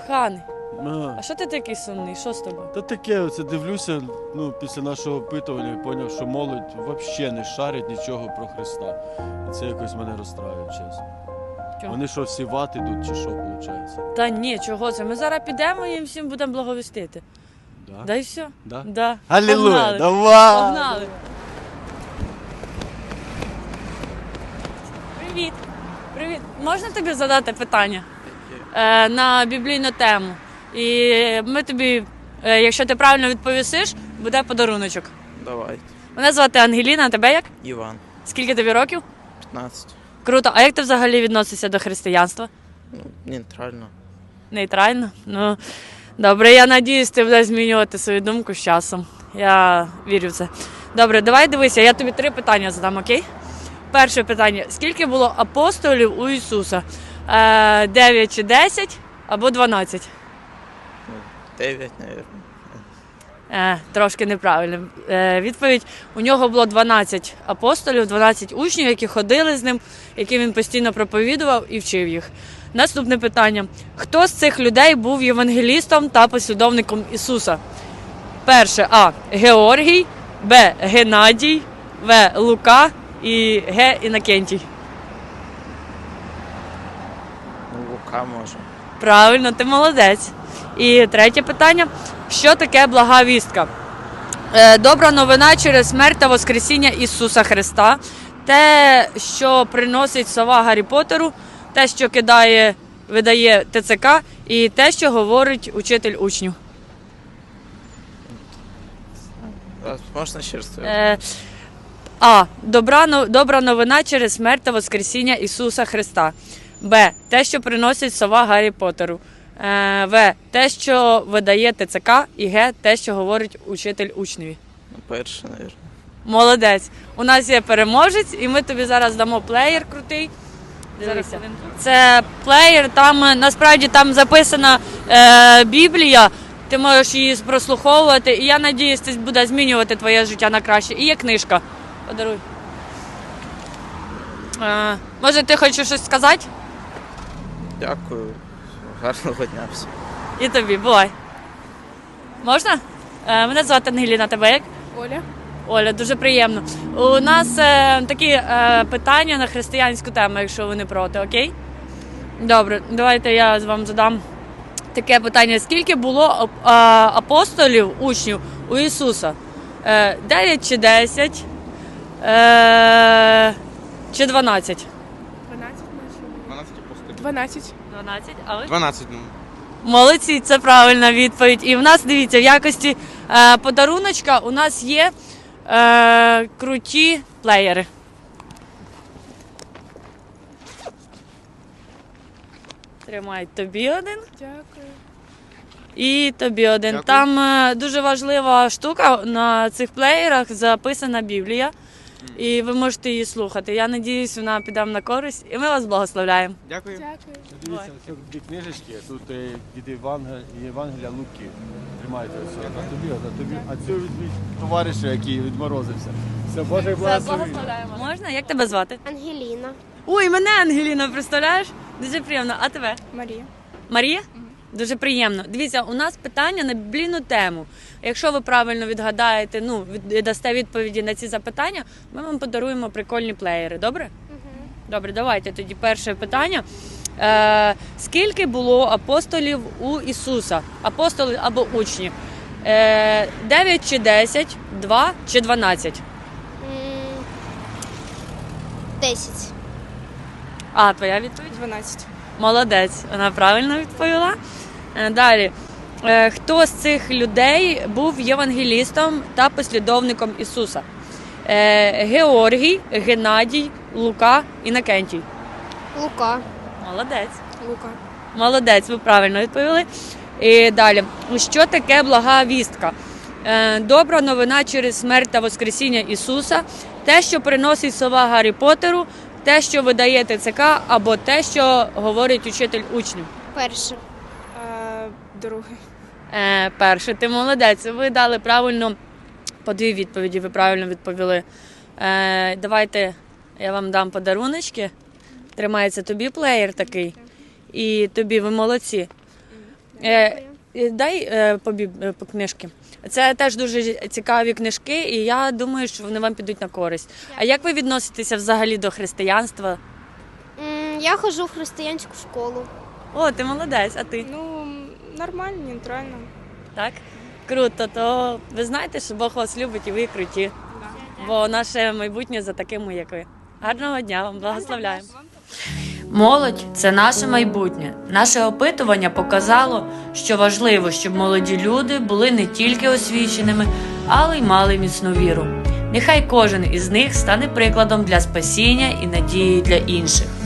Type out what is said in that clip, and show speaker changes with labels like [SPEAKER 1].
[SPEAKER 1] Коханий,
[SPEAKER 2] А,
[SPEAKER 1] а що ти такий сумний? Що з тобою?
[SPEAKER 2] Та таке, оце дивлюся, після нашого опитування поняв, що молодь взагалі не шарить нічого про Христа. І це якось мене розстраює, чесно.
[SPEAKER 1] Чого?
[SPEAKER 2] Вони що, всі в ад ідуть, чи що, виходить?
[SPEAKER 1] Та ні, чого це? Ми зараз підемо і їм всім будемо благовістити.
[SPEAKER 2] Да?
[SPEAKER 1] Да і все.
[SPEAKER 2] Да?
[SPEAKER 1] Да.
[SPEAKER 2] Алілуя,
[SPEAKER 1] Погнали.
[SPEAKER 2] давай!
[SPEAKER 1] Погнали. Привіт. Привіт. Можна тобі задати питання на біблійну тему? І ми тобі, якщо ти правильно відповісиш, буде подаруночок.
[SPEAKER 3] Давай.
[SPEAKER 1] Мене звати Ангеліна, а тебе як?
[SPEAKER 3] Іван.
[SPEAKER 1] Скільки тобі років?
[SPEAKER 3] 15.
[SPEAKER 1] Круто. А як ти взагалі відносишся до християнства?
[SPEAKER 3] Нейтрально.
[SPEAKER 1] Нейтрально? Ну, добре, я надіюсь, ти будеш змінювати свою думку з часом. Я вірю в це. Добре, давай дивися, я тобі 3 питання задам, окей? Перше питання. Скільки було апостолів у Ісуса? 9 чи 10 або 12?
[SPEAKER 3] 9, мабуть.
[SPEAKER 1] Трошки неправильно. Відповідь. У нього було 12 апостолів, 12 учнів, які ходили з ним, яким він постійно проповідував і вчив їх. Наступне питання. Хто з цих людей був євангелістом та послідовником Ісуса? Перше. А. Георгій, Б. Геннадій, В. Лука і Г. Інокентій.
[SPEAKER 3] Лука може.
[SPEAKER 1] Правильно, ти молодець. І третє питання. Що таке блага вістка? Добра новина через смерть та воскресіння Ісуса Христа. Те, що приносить сова Гаррі Поттеру, те, що видає ТЦК, і те, що говорить учитель учнів.
[SPEAKER 3] Можна ще раз?
[SPEAKER 1] А. Добра новина через смерть та воскресіння Ісуса Христа. Б. Те, що приносить сова Гаррі Поттеру. В. Те, що видає ТЦК. І Г. Те, що говорить учитель учневі.
[SPEAKER 3] Перше, мабуть.
[SPEAKER 1] Молодець. У нас є переможець, і ми тобі зараз дамо плеєр крутий. Дивися. Це плеєр, насправді там записана Біблія, ти можеш її прослуховувати, і я сподіваюся, це буде змінювати твоє життя на краще. І є книжка. Подаруй. Може, ти хочеш щось сказати?
[SPEAKER 3] Дякую. Гарного дня всім.
[SPEAKER 1] І тобі, бувай. Можна? Мене звати Ангеліна, тебе як?
[SPEAKER 4] Оля.
[SPEAKER 1] Оля, дуже приємно. У нас такі питання на християнську тему, якщо ви не проти, окей? Добре, давайте я вам задам таке питання. Скільки було апостолів, учнів у Ісуса? 9 чи 10? Чи 12?
[SPEAKER 4] 12
[SPEAKER 5] 12 апостолів.
[SPEAKER 4] 12.
[SPEAKER 1] 12, а ви?
[SPEAKER 5] 12, ну.
[SPEAKER 1] Молодці, це правильна відповідь. І в нас, дивіться, в якості подаруночка у нас є круті плеєри. Тримай тобі один
[SPEAKER 4] Дякую.
[SPEAKER 1] і тобі один.
[SPEAKER 5] Дякую.
[SPEAKER 1] Там дуже важлива штука, на цих плеєрах записана Біблія. І ви можете її слухати. Я сподіваюся, вона піде вам на користь. І ми вас благословляємо.
[SPEAKER 5] Дякую.
[SPEAKER 4] Дякую.
[SPEAKER 2] Дивіться, ось 2 книжечки, тут від Євангелія Луки. Тримайте ось, а тобі. А цю візьміть товариша, який відморозився. Все, Боже, благослови.
[SPEAKER 1] Можна? Як тебе звати?
[SPEAKER 6] Ангеліна.
[SPEAKER 1] Ой, мене Ангеліна, представляєш? Дуже приємно. А тебе?
[SPEAKER 4] Марія.
[SPEAKER 1] Марія? Дуже приємно. Дивіться, у нас питання на біблійну тему. Якщо ви правильно відгадаєте, дасте відповіді на ці запитання, ми вам подаруємо прикольні плеєри. Добре? Добре, давайте тоді перше питання. Скільки було апостолів у Ісуса? Апостоли або учні? 9 чи 10, 2 чи 12?
[SPEAKER 6] 10.
[SPEAKER 1] А, твоя відповідь?
[SPEAKER 4] 12.
[SPEAKER 1] Молодець, вона правильно відповіла. Далі. Хто з цих людей був євангелістом та послідовником Ісуса? Георгій, Геннадій, Лука, Інокентій.
[SPEAKER 6] Лука.
[SPEAKER 1] Молодець.
[SPEAKER 4] Лука.
[SPEAKER 1] Молодець, ви правильно відповіли. І далі. Що таке блага вістка? Добра новина через смерть та воскресіння Ісуса, те, що приносить сова Гаррі Поттеру, те, що видає ТЦК, або те, що говорить учитель учнів.
[SPEAKER 6] Перше.
[SPEAKER 4] Друге.
[SPEAKER 1] Перше, ти молодець. Ви дали правильно по 2 відповіді, ви правильно відповіли. Давайте я вам дам подаруночки. Тримається тобі плеєр такий. І тобі, ви молодці. Дай по книжки. Це теж дуже цікаві книжки, і я думаю, що вони вам підуть на користь. А як ви відноситеся взагалі до християнства?
[SPEAKER 6] Я ходжу в християнську школу.
[SPEAKER 1] О, ти молодець, а ти?
[SPEAKER 4] Ну, нормально, нейтрально.
[SPEAKER 1] Так? Круто, то ви знаєте, що Бог вас любить і ви круті. Бо наше майбутнє за такими, як ви. Гарного дня вам, благословляємо. Молодь – це наше майбутнє. Наше опитування показало, що важливо, щоб молоді люди були не тільки освіченими, але й мали міцну віру. Нехай кожен із них стане прикладом для спасіння і надії для інших.